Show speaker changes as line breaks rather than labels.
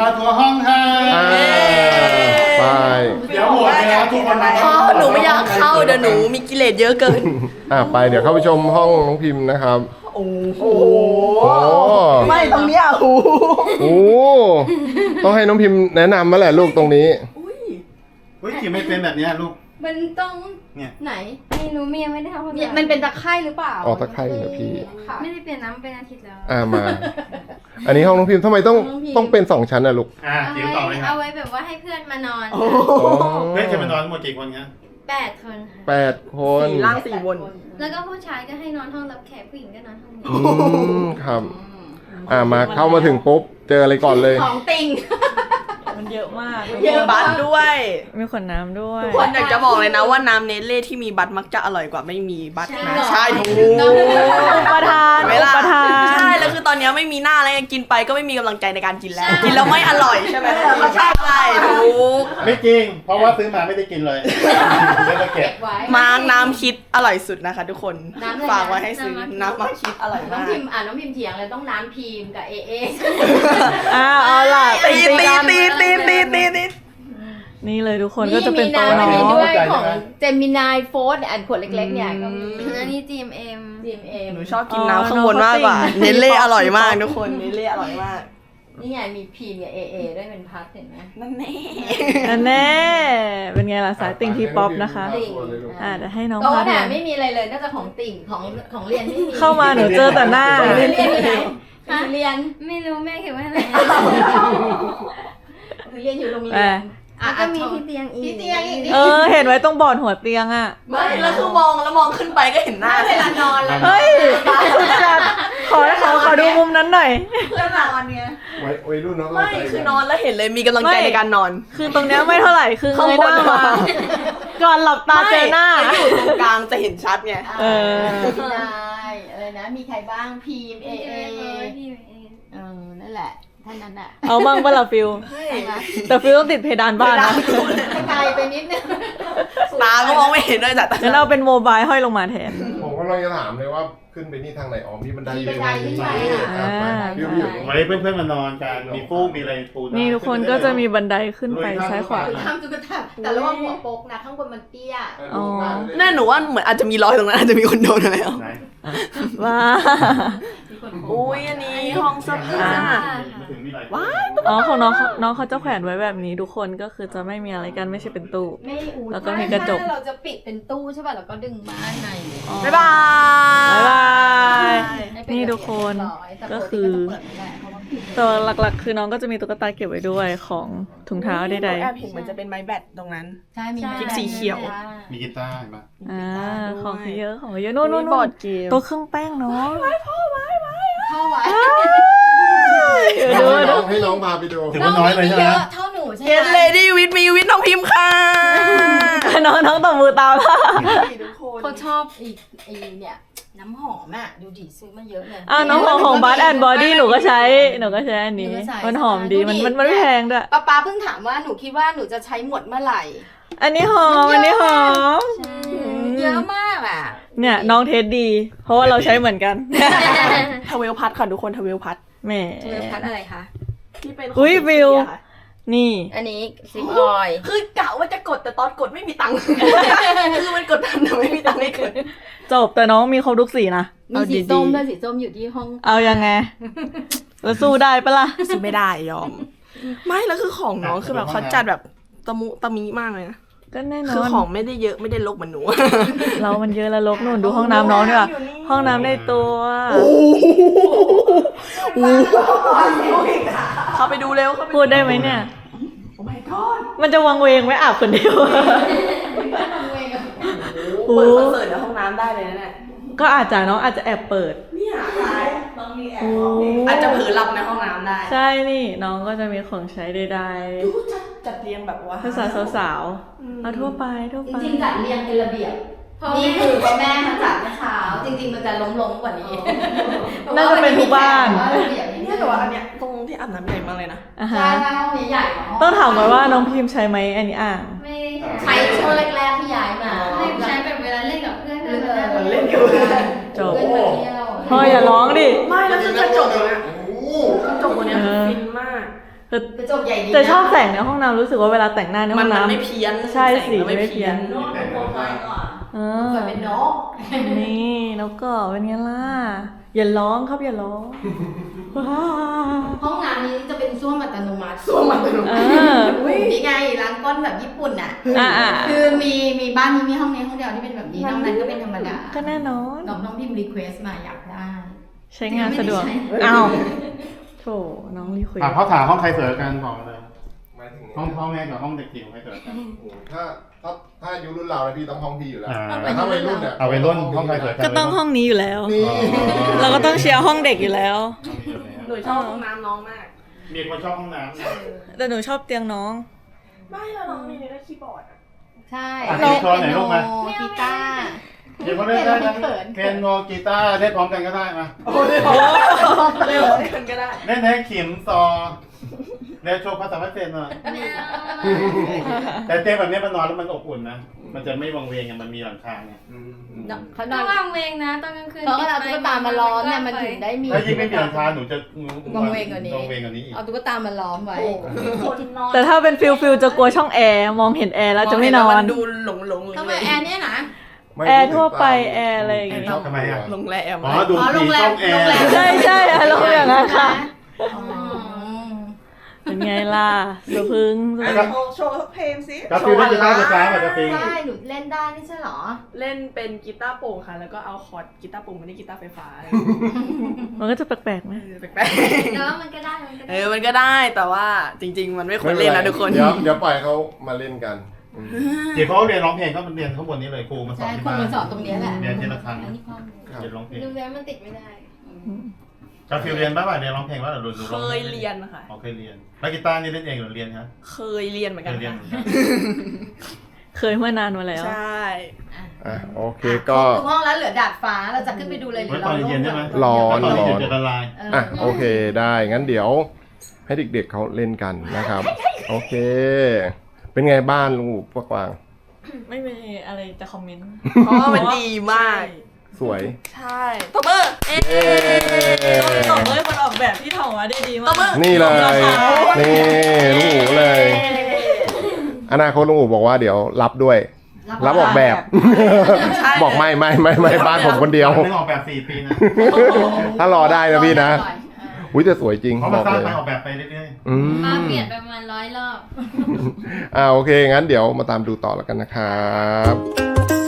มาทัวร์ห้องค่ะ
ไป
เดี๋ยวหมดแล้วทุกคนมา
พ่อหนูไม่อยากเข้าเดี๋ยวหนูมีกิเลสเยอะเกิน
ไปเดี๋ยวเข้าไปชมห้องน้องพิมพ์นะครับ
โอ้โห
ไม่
ตรงเนี้ยโอ้โห
ต้องให้น้องพิมพ์แนะนำมาแหละลูกตรงนี้
เฮ้ยกินไม่เป็นแบบนี้ลูก
มันต้อง
เนี่ย
ไหน
ไม่รู้เมียไม่ได้ทำความสะอาด
มันเป็นตะไคร่หรือเปล่า
ตะไคร่เหรอพี่
ไม่ได้เปลี่ยนน้ำเป็นอาทิตย์แล้ว
มา อันนี้ห้องน้องพิมพ์ทำไมต้องเป็น2 ชั้นลูก
จิ๋วต่อเลยครับ
เอาไว้แบบว่าให้เพื่อนมานอน
เพื่อนจะมานอนทั้งหมดกี่คนครับ
8 คนค่ะ
8 คน
4 ล่าง 4 บน
แล้วก็ผู้ชายก็ให้นอนห้องรับแขกผู้หญิงก็นอนห้องนี้
ครับมาเข้ามาถึงปุ๊บเจออะไรก่อนเลย
ของติ่ง
มันเยอะมาก
เยอะบัตด้วย
มีขวดน้ำด้วย
ทุกคนอยากจะบอกเลยนะว่าน้ำเนเล่ที่มีบัตมักจะอร่อยกว่าไม่มีบัตนะใช่ถูก
ประธาน
เวลา
ประธาน
ใช่แล้วคือตอนนี้ไม่มีหน้าแล้วกินไปก็ไม่มีกำลังใจในการกินแล้ว กินแล้วไม่อร่อยใช่ไหมใช่ถูก
ไม่จริง เพราะว่าซื้อมาไม่ได้กินเลยไม่ได้เก็บ
ไว้
มาร์กน้ำคิดอร่อยสุดนะคะ ทุกคน
น้ำอะไรนะ
ฝากไว้ให้ซื้อน้ำมาร์กคิดอร่อย
น้อง
มาก
พิมพ์น้องพิมพ์เถียงเลยต้องน้ำพิมพ์กับเอเอ
เอาล่ะ
ตี
กัน
ตี
นี่เลยทุกคนก็จะเป็น
มี
โต๊ะ
น้ำ
เนา
มีด้ว
ะ
ยของเจมินายโฟร์อันขวดเล็กๆเนี่ยก็มี
อันนี้ GMM
ดีเอ็ม
หนูชอบกินน้ำข้างบนมากกว่าเนเล่อร่อยมากทุกคนเนเล่อร่อยมาก
นี่ไงมีพิมพ์กับเอเอด้วยเป็นพัดเห็นไหม
นั่นแน่
อันแน่ เป็นไงล่ะสายติ่งที่ป๊อปนะคะ
ติ่ง
เดี๋ยวให้น้อง
โต๊ะ
พา
น่ะ
ดู
ไม่มีอะไรเลยนอกจากของติ่งของเรียนไม่มี
เข้ามาหนูเจอแต่หน้า
เรียนที่ไหนเรียน
ไม่รู้แม่เขียนไว้อะไร
เรียนอยู่โรงเรียน
แล้วก็มีที่เตียงอีก
ที่เตียงอีก
เห็นไว้ตรงบอร์ดหัวเตียงอ่ะ
ไม่แล้วคือมองขึ้นไปก็เห็นหน้า
เวลานอนแล้ว
เฮ้ยสุดจัดขอดูมุมนั้นหน่อย
เพื่อนนอนเนี่ย
ไว้รุ่นเนาะ
ไม่คือนอนแล้วเห็นเลยมีกำลังใจในการนอน
คือตรงเนี้ยไม่เท่าไหร่คือเงยหน้ามาก่อนหลับตาเจอหน้า
ไม่อยู่ตรงกลางจะเห็นชัดไง
นายอะไรนะมีใครบ้างพิมพ์เอเอนั่นแหละท่านนั้นอ่ะ
เอาบ้างป่ะล่ะฟิลแต่ฟิลต้องติดเพดานบ้านนะ
ไกลไปนิดนึง
ตาก็มองไม่เห็นด้วยจ้ะ
งั้นเอาเป็นโมบายห้อยลงมาแทน
ผมก็เลยจะถามเลยว่าขึ้นไปนี่ทางไหนมีบันไดอยู่
วันนี้เพื่อนๆมานอนกันมีฟูกมีอะไรปู
นี่ทุกคนก็จะมีบันไดขึ้นไปซ้ายขวา
ทำจุกระทับแต่ระวังหัวโปกนะข้างบนมันเตี้ย
แน่หนูว่าเหมือนอาจจะมีรอยตรงนั้นอาจจะมีคนโดนมาแล้ว
ว้า
อุ้ยอันนี้ห้องเสื้อผ้า ว้าย
อ๋อของน้องเขาจะแขวนไว้แบบนี้ทุกคนก็คือจะไม่มีอะไรกันไม่ใช่เป็นตู้
ไม่อู
แล้วก็มีกระจก
เราจะปิดเป็นตู้ใช่ป่ะแล้วก็ดึงม่านใน
บ๊ายบาย
บ๊ายบาย
ให้เป็
นี่ทุกคน
แต่
ก็
ปติ
คือ
เปิดไม่ได้เพราะว่าปิด
ตัวหลักๆ คือน้องก็จะมีตุ๊กตาเก็บไว้ด้วยของถุงเท้าใด
แอบเห็นเหมือนจะเป็นไม้แบตตรงนั้น
ใช่มี
คลิปสีเขียว
มีกีตาร์ป่ะ
ๆของเยอะของเยอะนู่น
บอร์ดเกม
ตัวเครื่องแป้งเนาะ
เข้าไว้
ให้น้องพาไปดู
ถือว่าน้อยเลยใช่ไหม
เยอะเท่าหนูใช่ไหม
Get Lady with me with น้องพิมพ์ค่ะ
น้องตบมือตามละ
ทุกคน
เขาชอบอีเนี่ยน้ำหอมอ่ะดูดิซื้อมาเยอะเลย
น้องของบัสแอนด์บอดี้หนูก็ใช้อันนี้มันหอมดีมันไม่แพงด้วย
ป๊าเพิ่งถามว่าหนูคิดว่าหนูจะใช้หมดเมื่อไหร่
อันนี้หอม
เยอะมากอ่ะ
เนี่ยน้องเทสดี เพราะว่าเราใช้เหมือนกัน
ทเวลพัดค่ะทุกคนทเวลพัด
แหม
เจอพัดอะไรคะ
ที่เป็น
อุ๊ยฟิล นี่
อันนี้ซิปออย
คือกะว่าจะกดแต่ตอนกดไม่มีตังค์ คือมันกดทันแต่ไม่มีตังค์ให้กด
จบแต่น้องมีครบทุกสีนะ
มีสีส้มด้วยสีส้มอยู่ที่ห้อง
เอายังไงแล้วสู้ได้ปะล่ะ
ซื้อไม่ได้ยอม ไม่แล้วคือของน้องคือแบบเขาจัดแบบตะมุตะมีมากเลยนะ
ก็แน่น
คือ
อน
ของไม่ได้เยอะไม่ได้ลกเหมือนหนู
เรามันเยอะแล้วลกนู่นดูห้องน้ำน้องดีกว่าห้องน้ำในตัว
เข้าไปดูเร็วเข้าไป
พูดได้ไหมเนี่ย
โอ้ my god
มันจะวังเวงไหมอาบคนเดียว
เปิดคอนเสิร์ตในห้องน้ำได้เลยนะเนี่ย
ก็อาจจะน้องอาจจะแอบเปิด
เนี่ยต้องมีแอบอาจจะเผลอหลับในห้องน้ำได้
ใช่นี่น้องก็จะมีของใช้ใด
ดูจัดเรียงแบบว่า
ๆภาษาสาวๆเอาทั่วไป
จริงๆจัดเรียงเป็นระเบียบนี่คือพ่อแม่มาจัดเมื่อเช้าจริงๆมันจะล้มๆกว่านี้
น่าจะเป็นทุกบ้าน
เนี่ยแต่ว่าอันเนี้ยตรงที่อาบน้ำใหญ่มากเลยนะ
อ่ะ
ใช่
ฮะ
ห้องนี้ใหญ่
ต้องถามก่อนว่าน้องพิมพ์ใช้ไหมอันนี้อ่าง
ไม่ได้
ใช้ช่วงแรกๆที่ย้ายมา
ใช้แบบเวลาเล่นกับเพื่อน
เล่นกับเพื่อน
จบ
เพื่อนมาเที่ยว
พ่ออย่าร้องดิ
ไม่แล้วคือกระจกตรงเนี้ยกระจกตรงเนี้ยฟินมาก
กระจกใหญ่ดีนะ
แต่ชอบแสงในห้องน้ำรู้สึกว่าเวลาแต่งหน้าในห้
มั
อน ง
มัน
น้ำ
ไม่เพี้ยน
ใช่
แสง
สี
มัน
ไม่เพี้ยน
เออ
เปิดเป็นนก
นี่นกก็เป็นไงล่ะอย่าร้องครับอย่าร้องว้าว
ห้องน้ำนี้จะเป็นส้วมอัตโนมัติส้วมอัตโน
เอ
มัติ
อ
นี่ไงล้างก้นแบบญี่ปุ่นอ่ะ
อ่า
คือมีบ้านนี้มีห้องนี้ห้องเดียวที่เป็นแบบนี้นอกนั้นก็เป็นธรรมดา
ก็แน่นอน
น้องพิมพ์รีเควสมาอยากได้
ใช้งานสะดวก
ไม่ได้ใช้
อ้าวโถน้องรีคุย
เขาถามห้องใครสวยกันบอกมาเลย
หมายถึง
ห้องพ่อแม่กับห้องเด็กจิ๋วใครสวยกัน
ถ้าอายุรุ่นเราพี่ต้องห้องพี่อยู่แล้ว
อ่า
แต่ถ้าวัยรุ่นเนี่ย
เอาไปรุ่นห้องใครสวยกัน
ก็ต้องห้องนี้อยู่แล้ว
นี่
เราก็ต้องเชียร์ห้องเด็กอยู่แล้ว
หนูชอบห้องน้ำน้องมาก
มีคนชอบห้องน้ำนะ
แต่หนูชอบเตียงน้อง
ไม่แล้วน้องมีได้คีย์บอร์ดอะ
ใช่
อ่ะโชว์หน่อยลูกมา
กีตาร์
เดี๋ยวเขาเล่นได้ทั้งเคนโนกีตาร์เล่นพร้อมกันก็ได้มา
เร็วกันก็ได้
เล่นให้ขิมซอเล่นโชว์ภาษาเศสหน่อยแต่เตียงแบบนี้มันนอนแล้วมันอบอุ่นนะ มันจะไม่วังเวงไงมันมีหลังคาไง
เขาน
ต้
อ
อน งวางเวงนะตอนกลางคืน
เขาก็เอาตุ๊กตามาล้อมเนี่ยมันถึงได้มี
ถ้ายิ่งไม่มีหลังคาหนูจะ
วังเวงกว่านี้
วังเวงกว่านี้อีก
เอาตุ๊กตามาล้อมไว้
แต่ถ้าเป็นฟิลจะกลัวช่องแอร์มองเห็นแอร์แล้วจะไม่นอน
มัดูหลงเลย
ทำไมแอร์เนี่ยนะ
แอร์ทั่วไปแอร์อะไรอย่างเงี้ย
ทำไมอ่ะ
โรงแรม
อ๋อดู
อ๋อโร
ผี
งแร
ช่
ม
องแอ
โรงแรม
ร์
ใช่อารมณ์อย่างนั้นค่ะ
อ๋อ
เป็นไงล่ะสะพึง
โชว์สักเพลงสิ
กาฟิลเล่นกีตาร์ไฟฟ้าป่ะกาฟิล
ใช่หนูเล่นได้ไม่ใช่เหรอ
เล่นเป็นกีตาร์โปร่งค่ะ แล้วก็เอาคอร์ดกีตาร์โปร่งมาที่กีตาร์ไฟฟ้า
มันก็จะแปลกๆไหม
แปลก
แต่ว่ามันก็ได้มันก็
ๆ
ได้
มันก็ได้แต่ว่าจริง ๆ มันไม่ควรเล่นนะทุกคน
เดี๋ยวปล่อยเขามาเล่นกันอืม
เดี๋ยวเขาเรียนร้องเพลงก็มันเรียนข้างบนนี้เลยครูมาสอ
ใช่
นที่
ครู
บ้าน
มาสอนตรงเนี้ยแหละ
เรียนทีละครั้ง
อันนี้ข้อมูล
ครับ
เรียนร้องเพลง
ดูแล้วมันติดไม่ได้
กาฟิลเรียนบ้างป่ะเรียนร้องเพลงว่าหรือ
เคยเรียนค่ะ
อ๋อเคยเรียนแล้วกีตาร์นี่เล่นเองหรือเรียนฮะ
เคยเรียนเหมือน
เค
กัน
ยเรียน
ค่ะ
เหมือนกัน
เคยเมื่อนานมาแล้ว
ใช่
อ่ะโอเค
คร
ก็
บทุกห้องแล้วเหลือดาดฟ้าเราจะขึ้นไปดูเลยหรื
ไว้
อ
ตอ
เรา
นเย็นใช่ไหม
ร้อน
ตอนเย็นจะละลาย
อ่ะโอเคได้งั้นเดี๋ยวให้เด็กๆเขาเล่นกันนะครับ โอเค เป็นไงบ้านลุงพวกวาง
ไม่มีอะไรจะคอมเมนต์
เพราะว่ามันดีมาก
สวย
ใช่ตบมือเอ๊
เย้
ตอบเลยคนออกแบบที่ทำมาได้ดี
ต
มา
บมือ
ก
นี่เลยนี่ลุงอู๋เลย อนาคตลุงอู๋บอกว่าเดี๋ยวรับด้วย รับออกแบบ
ใช่
บอกไม่บ้านผมคนเดียว
ไม่ออกแบบ4 ปีนะ
ถ้ารอได้นะพี่นะอุ้ยแต่สวยจริง
เพราะ
บ
มัน
อก
สร้าง
เลย
ไปออกแบบไปเรื่อย
อื
มาม เปลี่ยนไปประมาณ100 รอบ
โอเคงั้นเดี๋ยวมาตามดูต่อแล้วกันนะครับ